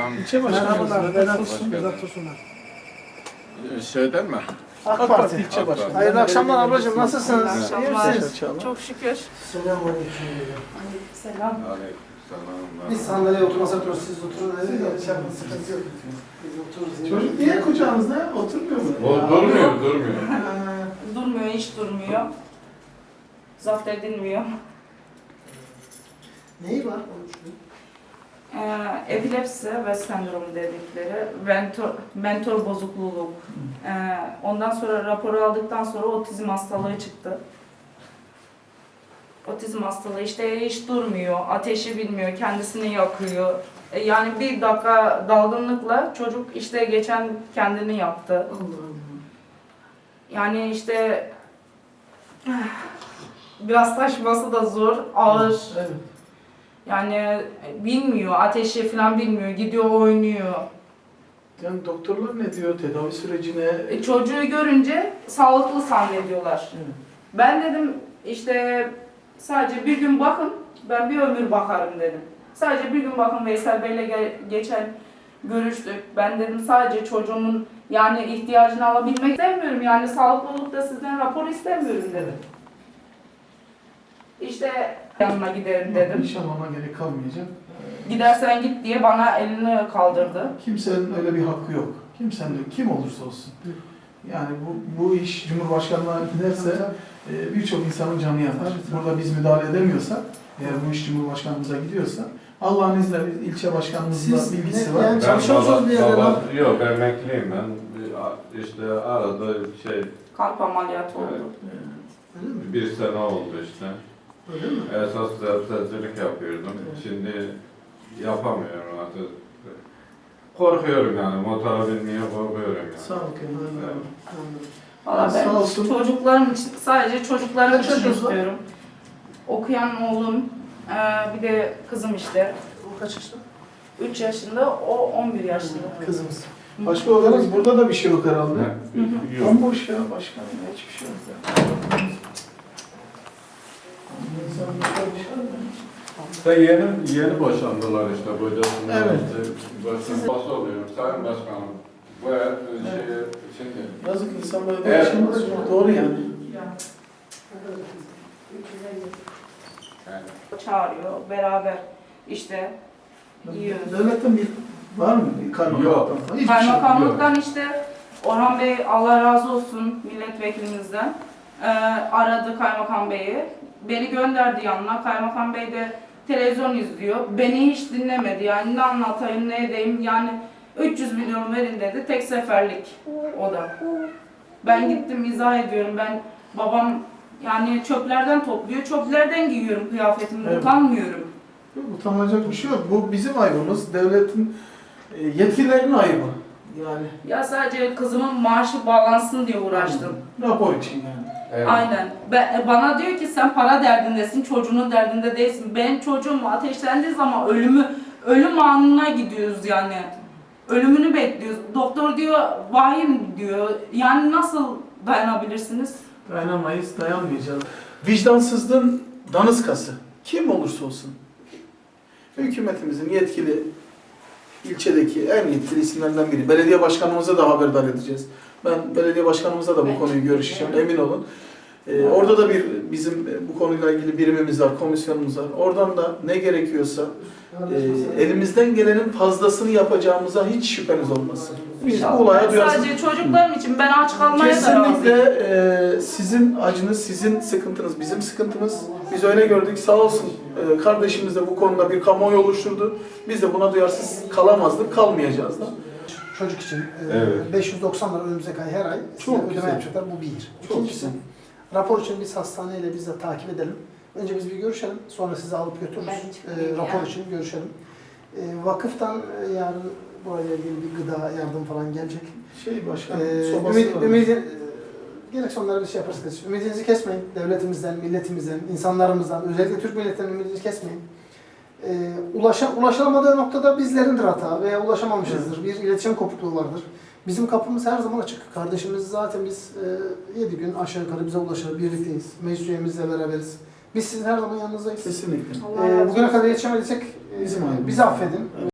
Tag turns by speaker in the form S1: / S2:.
S1: Selam.
S2: İlçe başkanı.
S3: Merhabalar, Vedat Tosun.
S1: Başkanım.
S3: Vedat Tosunlar.
S1: Şeyden mi?
S3: AK Parti.
S2: ilçe başkanı.
S3: Hayırlı akşamlar ablacığım, nasılsınız?
S4: Hayırlı
S3: İyi
S4: akşamlar.
S3: misiniz?
S4: Çok şükür.
S3: Selamünaleyküm.
S4: Selam.
S1: Aleykümselam.
S3: Biz sandalyeye oturmasak otururuz, siz oturun. Siz yapın, sıkıntı yok. Biz otururuz.
S2: Çocuk niye kucağınızda oturmuyor mu?
S1: O durmuyor.
S4: Durmuyor, hiç durmuyor. Zapt edilmiyor.
S3: Neyi var?
S4: Epilepsi ve sendromu dedikleri, mentor bozukluğu. Ondan sonra raporu aldıktan sonra otizm hastalığı çıktı. Otizm hastalığı işte hiç durmuyor, ateşi bilmiyor, kendisini yakıyor. Yani bir dakika dalgınlıkla çocuk işte geçen kendini yaktı.
S2: Allah Allah.
S4: Yani işte biraz taşıması da zor, ağır.
S2: Evet.
S4: Yani bilmiyor, ateşi falan bilmiyor, gidiyor oynuyor.
S2: Yani doktorlar ne diyor tedavi sürecine?
S4: Çocuğu görünce sağlıklı zannediyorlar.
S2: Evet.
S4: Ben dedim işte sadece bir gün bakın, ben bir ömür bakarım dedim. Sadece bir gün bakın, Veysel Bey'le geçen görüştük. Ben dedim sadece çocuğumun yani ihtiyacını alabilmek istemiyorum. Yani sağlıklı olup da sizden rapor istemiyorum dedim. İşte yanına giderim dedim.
S2: İnşallah gerek kalmayacak.
S4: Gidersen git diye bana elini kaldırdı.
S2: Kimsenin öyle bir hakkı yok. Kimsenin, kim olursa olsun. Yani bu iş Cumhurbaşkanlığına giderse birçok insanın canı yanar. Burada biz müdahale edemiyorsak, eğer bu iş Cumhurbaşkanlığımıza gidiyorsa, Allah'ın izniyle ilçe başkanımızla
S3: Siz
S2: bilgisi
S3: ne-
S2: var.
S3: yani çalışıyor musunuz bir yerde?
S1: Yok, emekliyim ben. İşte arada
S4: Kalp ameliyatı oldu.
S3: Öyle mi?
S1: bir sene oldu işte.
S3: Öyle mi?
S1: Esas sebzecilik yapıyordum.
S2: Evet.
S1: Şimdi yapamıyorum artık. Korkuyorum yani, motora binmeye korkuyorum yani.
S2: Sağ ol Kemal.
S3: Anladım.
S4: Valla
S2: Sağ
S4: ben
S2: olsun.
S4: çocuklarım için, sadece çocuklarım
S3: Kaç
S4: için
S3: çocuğunuz var?
S4: istiyorum. Okuyan oğlum, bir de kızım işte.
S3: O kaç yaşında?
S4: 3 yaşında, o 11 yaşında.
S3: Kızımız.
S2: Başka olarak burada da bir şey yok herhalde.
S1: Yok.
S2: Bomboş ya başkanım, hiçbir şey yok ya. İnsan başka bir şey yok ya.
S1: İşte yeni boşandılar işte kocasından.
S2: Evet.
S1: Boşanması oluyorum. Sayın Başkanım, bu şimdi
S2: Yazık insanlara da
S1: Evet.
S2: yaşamak doğru yani.
S4: Çağırıyor, beraber işte yiyoruz.
S2: Devletten bir var mı? Bir kaymakamlıktan
S1: Yok.
S2: falan? Hiçbir şey yok.
S4: Kaymakamlıktan işte Orhan Bey, Allah razı olsun milletvekilimizden, aradı Kaymakam Bey'i. Beni gönderdi yanına. Kaymakam Bey de televizyon izliyor. Beni hiç dinlemedi. Yani ne anlatayım, ne edeyim. Yani 300 milyon verin dedi. Tek seferlik o da. Ben gittim izah ediyorum. Babam yani çöplerden topluyor. Çöplerden giyiyorum kıyafetimi.
S2: Evet.
S4: Utanmıyorum.
S2: Yok, utanılacak bir şey yok. Bu bizim ayıbımız. Devletin yetkililerinin ayıbı. Yani
S4: Ya sadece kızımın maaşı bağlansın diye uğraştım.
S2: rapor için yani.
S1: evet.
S4: Aynen. Bana diyor ki sen para derdindesin, çocuğunun derdinde değilsin. Benim çocuğum ateşlendiği zaman ölüm anına gidiyoruz yani. Ölümünü bekliyoruz. Doktor diyor vahim diyor. Yani nasıl dayanabilirsiniz?
S2: Dayanamayız, dayanmayacağız. Vicdansızlığın daniskası. Kim olursa olsun. Hükümetimizin yetkili ilçedeki en yetkili isimlerinden biri. Belediye başkanımıza da haberdar edeceğiz. Ben belediye başkanımıza da bu konuyu görüşeceğim, emin olun. Orada da bizim bu konuyla ilgili birimimiz var, komisyonumuz var. Oradan da ne gerekiyorsa elimizden gelenin fazlasını yapacağımıza hiç şüpheniz olmasın. Biz bu olaya duyarsınız.
S4: Sadece çocuklarım için ben aç kalmaya da
S2: Kesinlikle
S4: razıyım.
S2: sizin acınız, sizin sıkıntınız, bizim sıkıntımız. Biz öyle gördük. Sağ olsun kardeşimiz de bu konuda bir kamuoyu oluşturdu. Biz de buna duyarsız kalamazdık, kalmayacağız da.
S3: Çocuk için
S1: Evet.
S3: 590 lira önümüzdeki ay her ay
S2: Çok
S3: ödeme
S2: güzel.
S3: yapacaklar. Bu bir.
S2: Çok
S3: İkincisi,
S2: güzel.
S3: rapor için biz hastaneyle biz de takip edelim. Önce biz bir görüşelim. Sonra sizi alıp götürürüz.
S4: Ben çıkayım
S3: Rapor
S4: ya.
S3: için görüşelim. Vakıftan yarın burayla ilgili bir gıda yardım falan gelecek.
S2: Başkanım, sobası var.
S3: Gerekse onlara bir şey yaparız. Ümidinizi kesmeyin. Devletimizden, milletimizden, insanlarımızdan, özellikle Türk milletinin ümidinizi kesmeyin. Ulaşılamadığı noktada bizlerindir hata veya ulaşamamışızdır. Bir iletişim kopukluğu vardır. Bizim kapımız her zaman açık. Kardeşimiz zaten biz 7 gün aşağı yukarı bize ulaşır, birlikteyiz. Meclis üyemizle beraberiz. Biz sizin her zaman yanınızdayız.
S2: Kesinlikle.
S4: Allah razı
S3: Bugüne
S4: olsun.
S3: kadar yetişemediysek
S2: Bizim ayıbımız.
S3: bizi affedin.